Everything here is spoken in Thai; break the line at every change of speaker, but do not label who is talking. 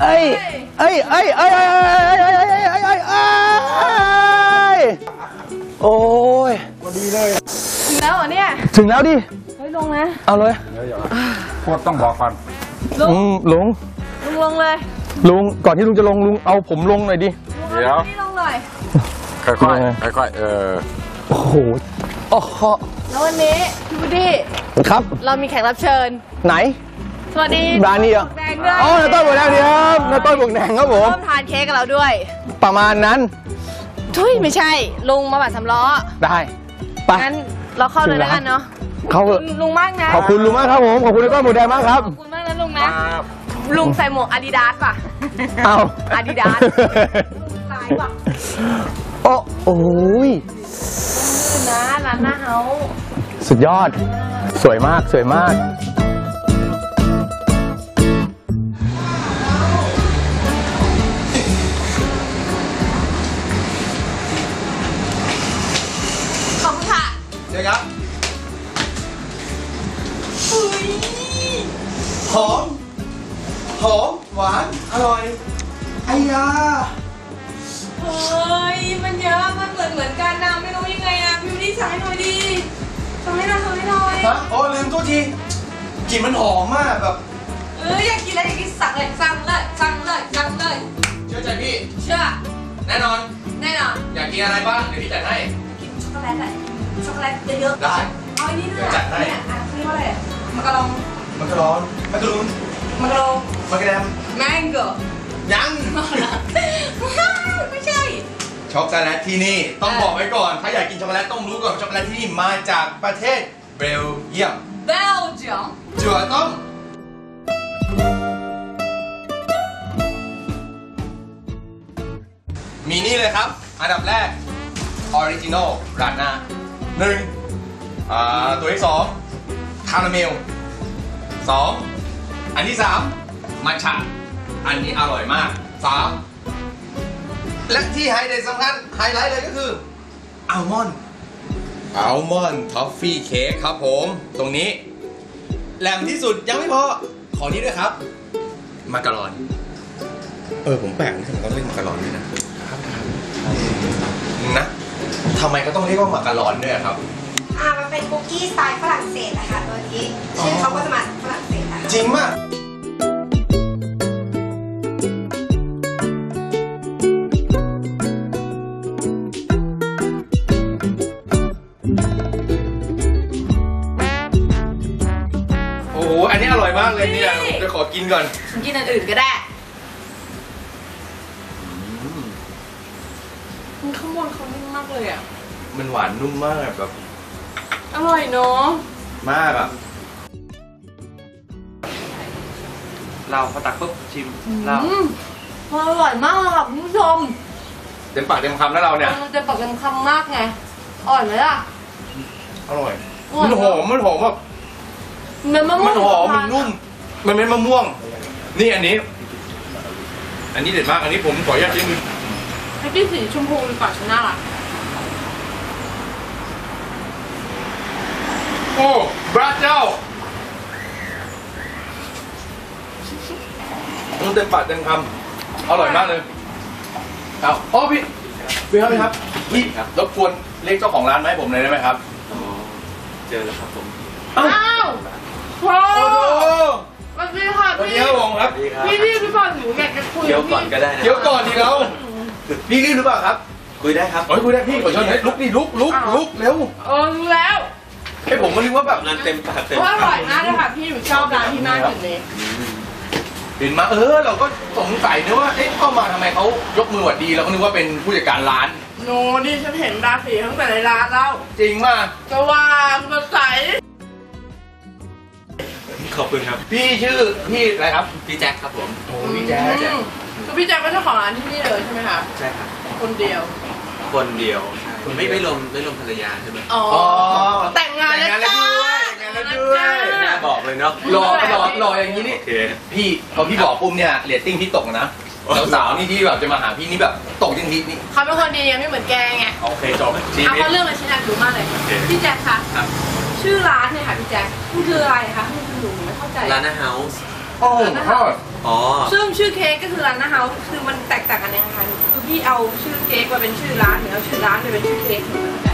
เอ้ยเอ้ยเอ้ยเอ้ยเอ้ยเอ้ยเอ้ยเอ้ยเอ้ยเอ้ยโอ้ยพอดีเลยถึงแล้วเหรอเนี่ยถึงแล้วดิเฮ้ยลงนะเอาเลยโคตรต้องบอกก่อนลุงลงเลยลุงก่อนที่ลุงจะลงลุงเอาผมลงหน่อยดิเดี๋ยวลงหน่อยค่อยๆค่อยๆโอ้โหแล้ววันนี้พี่บูดี้ครับเรามีแขกรับเชิญไหนสวัสดีร้านนี้อ่ะอ๋อน้าต้อยบวกแดงดีครับน้าต้อยบวกแดงครับผมร่วมทานเค้กกับเราด้วยประมาณนั้นทุยไม่ใช่ลุงมาบัดสำล้อได้ไปงั้นเราเข้าเลยแล้วกันเนาะเขาลุงมากนะขอบคุณลุงมากครับผมขอบคุณน้าต้อยบวกแดงมากครับขอบคุณมากนะลุงนะลุงใส่หมวกอาดิดาสป่ะเอาอาดิดาสตายป่ะโอ้ยนะร้านหน้าเฮาสุดยอดสวยมากสวยมากขอบคุณค่ะเดี๋ยวครับหอมหวานอร่อยไอ้ยาเฮ้ยมันเยอะมันเหมือนกันนะไม่รู้ยังไงนะพี่นี่สั่งให้หน่อยดิสั่งให้หน่อยฮะโอ้ลืมตัวทีกลิ่นมันหอมมากแบบอยากกินอะไรอยากกินสั่งเลยเชื่อใจพี่เชื่อแน่นอนอยากกินอะไรบ้างเดี๋ยวพี่จัดให้กินช็อกโกแลตเลยช็อกโกแลตเยอะๆได้เอาอันนี้ด้วยจัดให้เนี่ยเรียกว่าอะไรมักกะลองมักกะแดมแมงโก้ยังไม่ใช่ช็อกโกแลตที่นี่ต้องบอกไว้ก่อนถ้าอยากกินช็อกโกแลตต้องรู้ก่อนช็อกโกแลตที่นี่มาจากประเทศเบลเยียมจั่วต้องมีนี่เลยครับอันดับแรกออริจินอลราดหน้าตัวที่2คาราเมล2อันที่3มัทฉะอันนี้อร่อยมาก3และที่ไฮไลท์สำคัญไฮไลท์เลยก็คืออัลมอนด์ท็อฟฟี่เค้กครับผมตรงนี้แหลมที่สุดยังไม่พอขอนี้ด้วยครับมาการอนผมแปลกที่ผมต้องเรียกมาการอนด้วยนะทำไมเขาต้องเรียกว่ามาการอนด้วยครับ
มันเป็นคุกกี้สไตล์ฝรั่งเศสนะคะตัวนี้ชื่อเขาก็จะมาจากฝรั่งเศสนะคะ
จริงมากโอ้โหอันนี้อร่อยมากเลยเนี่ยจะขอกินก่อน
กินอันอื่นก็ได้ข้างบนเขานิ่มมากเลยอ่ะ
มันหวานนุ่มมากแบบ
อร่อยเนาะ
มากอ่ะ
เราพอตักปุ๊บชิมเรา
อร่อยมากเลยค่ะคุณผู้ชม
เต็มปากเต็มคำแล้วเราเนี่ย
เต็มปากเต็มคำมากไงอร่อยไหมล่ะ
อร่อยมันหอมแบบมันหอมมันนุ่มมันเป็นมะม่วงนี่อันนี้เด็ดมากอันนี้ผมขออนุญาตชิม
ให้พี่สีชมพูดีกว่าชนะล่ะ
โอ้พระเจ้ามันเต็มปากเต็มคำอร่อยมากเลยเอาพี่ครับรบกวนเรียกเจ้าของร้านมาให้ผมหน่อยได้ไหมครับ
เจอแล้วครับผม
อ้าวโอ้สวัสดีค่ะพี่
ครับ
พี่บอลหนูอยากจะคุย
เดี๋ยวก่อนก็ได้
เดี๋ยวก่อนดีเราพี่รีบหรือเปล่าครับ
คุยได้ครับ
คุยได้พี่ขอเชิญลุกดิลุกเร็ว
รู้แล้ว
ให้ผมก็นึกว่าแบบ
ร้านเต็มปากเต็ม
อร่อยมากเลยค่ะพี่หนูชอบร้านที่มากสุดเลย
เห็นมาเราก็สงสัยนะว่าเข้ามาทำไมเขายกมือหวัดดีเราก็นึกว่าเป็นผู้จัดการร้าน
โน่ดิฉันเห็นราศีตั้งแต่ในร้านแล้ว
จริงมาก
สว่างสดใส
ขอบคุณครับ
พี่ชื่อพี่อะไรครับ
พี่แจ็คครับผม
โอ้พี่แจ็ค
คือพี่แจ็คเป็นเจ้าของร้านที่นี่เลยใช่ไหมคะ
ใช่ครับ
คนเดียว
ไม่รวมภรรยาใช่ไหม
อ๋อแต่งงานแล้ว
ด้วยบอกเลยเนาะ
รออย่างนี้นี่พี่พอพี่บอกปุ๊บเนี่ยเรตติ้งพี่ตกนะสาวนี่ที่แบบจะมาหาพี่นี่แบบตกจริงๆนี่
เขาเป็นคนดีไม่เหมือนแกไง
โอเคจบ
เขาเรื่องอะไรชิ้นอยากรู้มากเลยพี่แจ็คคะชื่อร้านเนี่ยค่ะพี่แจ็คมันคืออะไรคะมันคือหนูไม่เข้าใจ
ร้านอาหาร
โอ้โห
อ๋อ
ซึ่งชื่อเค้กก็คือร้านนะเฮาคือมันแตกต่างกันยังไงคะคือพี่เอาชื่อเค้กมาเป็นชื่อร้านหรือเอาชื่อร้านไปเป็นชื่อเค้ก